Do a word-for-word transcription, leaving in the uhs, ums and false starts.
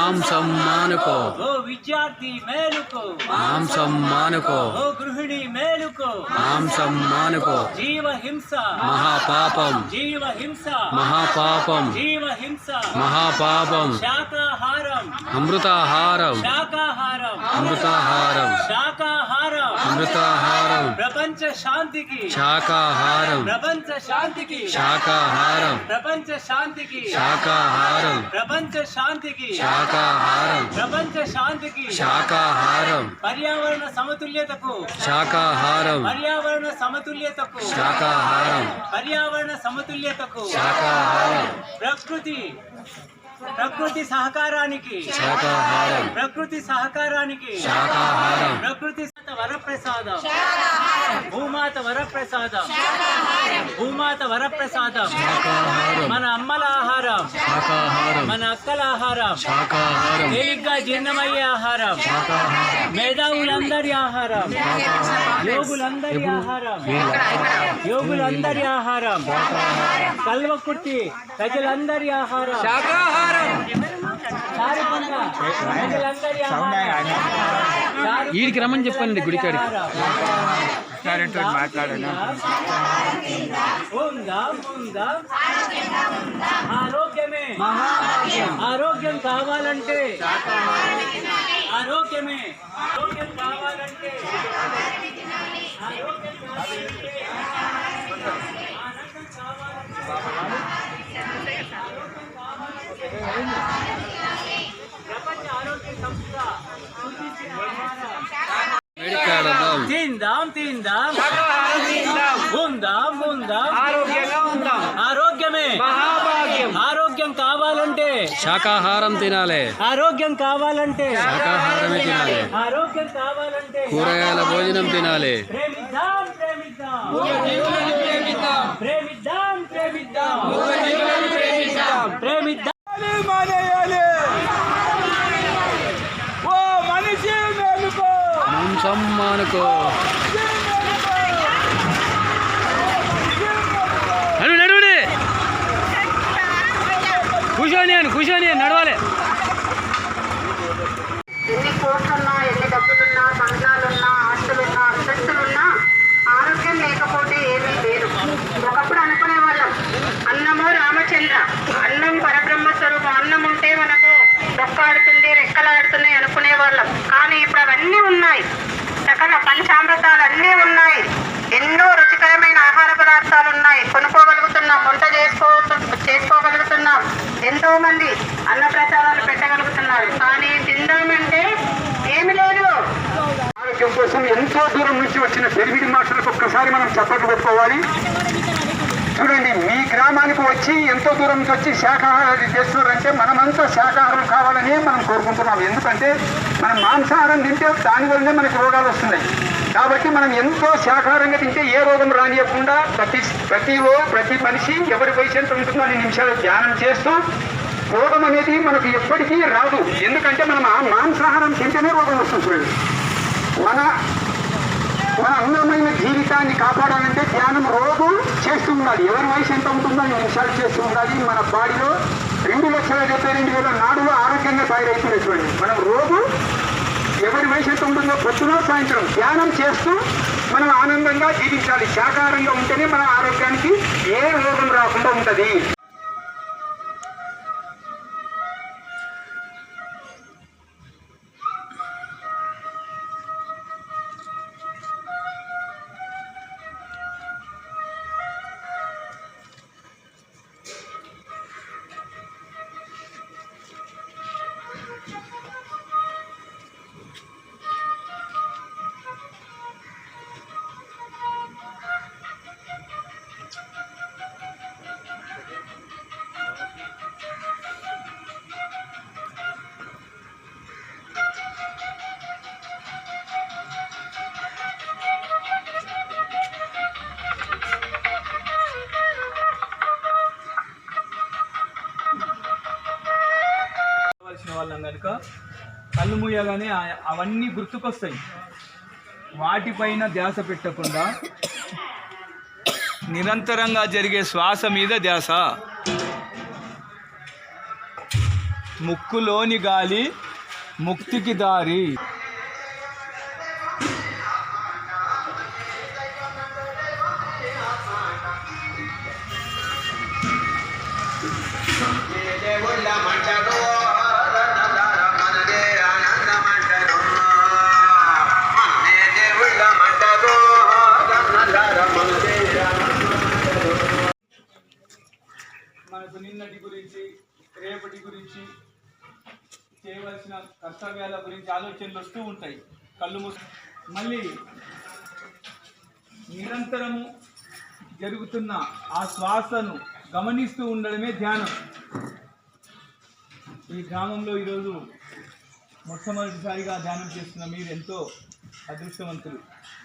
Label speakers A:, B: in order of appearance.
A: మాంసం మానుకో
B: ఓ విద్యార్థి మేలుకో
A: మాంసం మానుకో
B: ఓ గృహిణి మేలుకో
A: మాంసం మానుకో
B: జీవ హింస
A: మహాపాపం
B: జీవ హింస
A: మహాపాపం
B: జీవ హింస
A: మహాపాపం
B: శాకాహారం
A: అమృతాహారం
B: శాకాహారం
A: అమృతాహారం
B: శాకాహారం
A: అమృతాహారం
B: ప్రపంచ శాంతికి
A: శాకాహారం
B: ప్రపంచ శాంతికి
A: శాకాహారం
B: ప్రపంచ శాంతికి
A: శాకాహారం
B: ప్రపంచ శాంతికి
A: శాకాహారం
B: ప్రపంచ శాంతికి
A: శాకాహారం
B: పర్యావరణ సమతుల్యతకు
A: శాకాహారం
B: పర్యావరణ సమతుల్యతకు
A: శాకాహారం
B: పర్యావరణ సమతుల్యతకు
A: శాకాహారం
B: ప్రకృతి ప్రకృతి సహకారానికి
A: శాకాహారం
B: ప్రకృతి సహకారానికి
A: శాకాహారం
B: ప్రకృతి వరప్రసాదం భూమాత వరప్రసాదం భూమాత వరప్రసాదం
A: శాకాహారం
B: మన అమ్మల ఆహారం
A: శాకాహారం
B: మన అక్కల ఆహారం
A: శాకాహారం
B: తేలిగ్గా జీర్ణమయ్యే ఆహారం
A: శాకాహారం
B: మేధావులందరి ఆహారం యోగులందరి ఆహారం యోగులందరి ఆహారం కల్వకుర్తి ప్రజలందరి ఆహారం శాకాహారం ప్రజలందరి ఆహారం
A: వీడికి రమ్మని చెప్పండి గుడికాడికి
B: ఉందాం ఉందాం ఆరోగ్యమే ఆరోగ్యం కావాలంటే ఆరోగ్యమే ఆరోగ్యం కావాలంటే ఆరోగ్యం కావాలంటే ఆనందం కావాలంటే ప్రపంచ ఆరోగ్య సంస్థ సూచించిన తిందాం తిందాం ఉందాం ఉందాం
C: ఆరోగ్యంగా ఉందాం.
B: ఆరోగ్యమే
C: మహాభాగ్యం.
B: ఆరోగ్యం కావాలంటే
A: శాకాహారం తినాలి
B: ఆరోగ్యం కావాలంటే
A: శాకాహారమే తినాలి
B: ఆరోగ్యం కావాలంటే
A: కూరగాయల భోజనం తినాలి
B: ప్రేమిద్దాం ప్రేమిద్దాం ప్రేమిద్దాం ప్రేమిద్దాం ప్రేమిద్దాం
C: మానేయాలి. ఓ మనిషి మేలుకో.
A: మాంసం మానుకో నడు నడువుడి కూర్చొని అని కూర్చొని నడవాలి.
D: ఎన్ని కోట్లున్నా ఎన్ని డబ్బులున్నా బంగ్లాలున్నా ఆస్తులున్నా అంతస్తులున్నా ఆరోగ్యం లేకపోతే ఏమీ లేదు. ఒకప్పుడు అనుకునే వాళ్ళం అన్నమో రామచంద్ర, అన్నం పరబ్రహ్మ స్వరూపం, అన్నం ఉంటే మనకు డొక్కాడుతుంది రెక్కలాడుతున్నాయి అనుకునే వాళ్ళం. కానీ ఇప్పుడు అవన్నీ ఉన్నాయి, సకల పంచామృతాలు అన్నీ ఉన్నాయి, ఎన్నో రుచికరమైన ఆహార పదార్థాలు ఉన్నాయి, కొనుక్కోగలుగుతున్నాం, వంట చేసుకో చేసుకోగలుగుతున్నాం, ఎంతో మంది అన్న ప్రసాదాలు పెట్టగలుగుతున్నారు. కానీ తిందామంటే ఏమి లేదు.
E: ఆరోగ్యం కోసం ఎంతో దూరం నుంచి వచ్చిన పెరిగిడి మాటలకు ఒక్కసారి మనం చప్పట్లు పెట్టుకోవాలి. చూడండి, మీ గ్రామానికి వచ్చి ఎంతో దూరం నుంచి వచ్చి శాకాహారం చేస్తున్నారంటే మనమంతా శాకాహారం కావాలని మనం కోరుకుంటున్నాం. ఎందుకంటే మనం మాంసాహారం తింటే దాని వల్లనే మనకు రోగాలు వస్తున్నాయి. కాబట్టి మనం ఎంతో శాకాహారంగా తింటే ఏ రోగం రానియకుండా ప్రతి ప్రతి ప్రతి మనిషి ఎవరి వయసు ఎంత ఉంటుందో అన్ని నిమిషాలు ధ్యానం చేస్తూ రోగం అనేది మనకు ఎప్పటికీ రాదు. ఎందుకంటే మనం ఆ మాంసాహారం తింటేనే రోగం వస్తుంది. చూడండి, మన మన అందమైన జీవితాన్ని కాపాడాలంటే ధ్యానం రోజు చేస్తూ ఉండాలి. ఎవరి వయసు ఎంత ఉంటుందో అన్ని నిమిషాలు చేస్తూ ఉండాలి. మన బాడీలో రెండు లక్షల డెబ్బై రెండు వేల నాడులు ఆరోగ్యంగా తయారైపోయినటువంటి మనం రోజు ఎవరి వయసు ఎంత ఉంటుందో పొద్దున సాయంత్రం ధ్యానం చేస్తూ మనం ఆనందంగా జీవించాలి. శాకాహారంగా ఉంటేనే మన ఆరోగ్యానికి ఏ రోగం రాకుండా ఉంటుంది.
C: వాళ్ళం కనుక కళ్ళు మూయగానే అవన్నీ గుర్తుకొస్తాయి. వాటిపైన ధ్యాస పెట్టకుండా నిరంతరంగా జరిగే శ్వాస మీద ధ్యాస. ముక్కులోని గాలి ముక్తికి దారి. మనకు నిన్నటి గురించి, రేపటి గురించి, చేయవలసిన కర్తవ్యాల గురించి ఆలోచనలు వస్తూ ఉంటాయి. కళ్ళు మూసి మళ్ళీ నిరంతరము జరుగుతున్న ఆ శ్వాసను గమనిస్తూ ఉండడమే ధ్యానం. ఈ గ్రామంలో ఈరోజు మొట్టమొదటిసారిగా ధ్యానం చేస్తున్న మీరు ఎంతో అదృష్టవంతులు.